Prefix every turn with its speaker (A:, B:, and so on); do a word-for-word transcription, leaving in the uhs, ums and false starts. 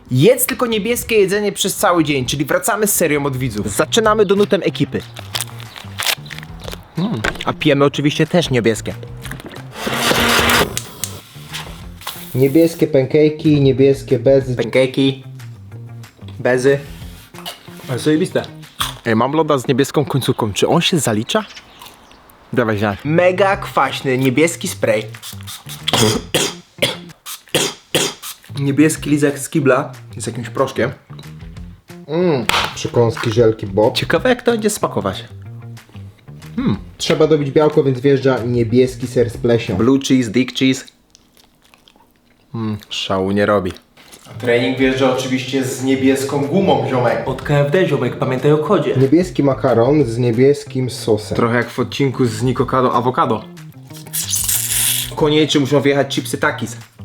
A: Jedz tylko niebieskie jedzenie przez cały dzień, czyli wracamy z serią od widzów. Zaczynamy donutem ekipy. Mm, a pijemy oczywiście też niebieskie.
B: Niebieskie pancake'i, niebieskie bezy.
A: Pancake'i, bezy. Ale zajebiste. Ej, mam loda z niebieską końcówką. Czy on się zalicza? Dawaj, ziarn. Mega kwaśny niebieski spray. Niebieski lizak z kibla z jakimś proszkiem.
B: Mmm, przekąski, żelki, bob.
A: Ciekawe jak to będzie smakować.
B: Trzeba dobić białko, więc wjeżdża niebieski ser z pleśnią.
A: Blue cheese, dick cheese. Mm, szału nie robi. Trening wjeżdża oczywiście z niebieską gumą, ziomek. Od K F D, ziomek, pamiętaj o kodzie.
B: Niebieski makaron z niebieskim sosem.
A: Trochę jak w odcinku z Nikocado Awokado. Koniecznie muszą wjechać chipsy Takis.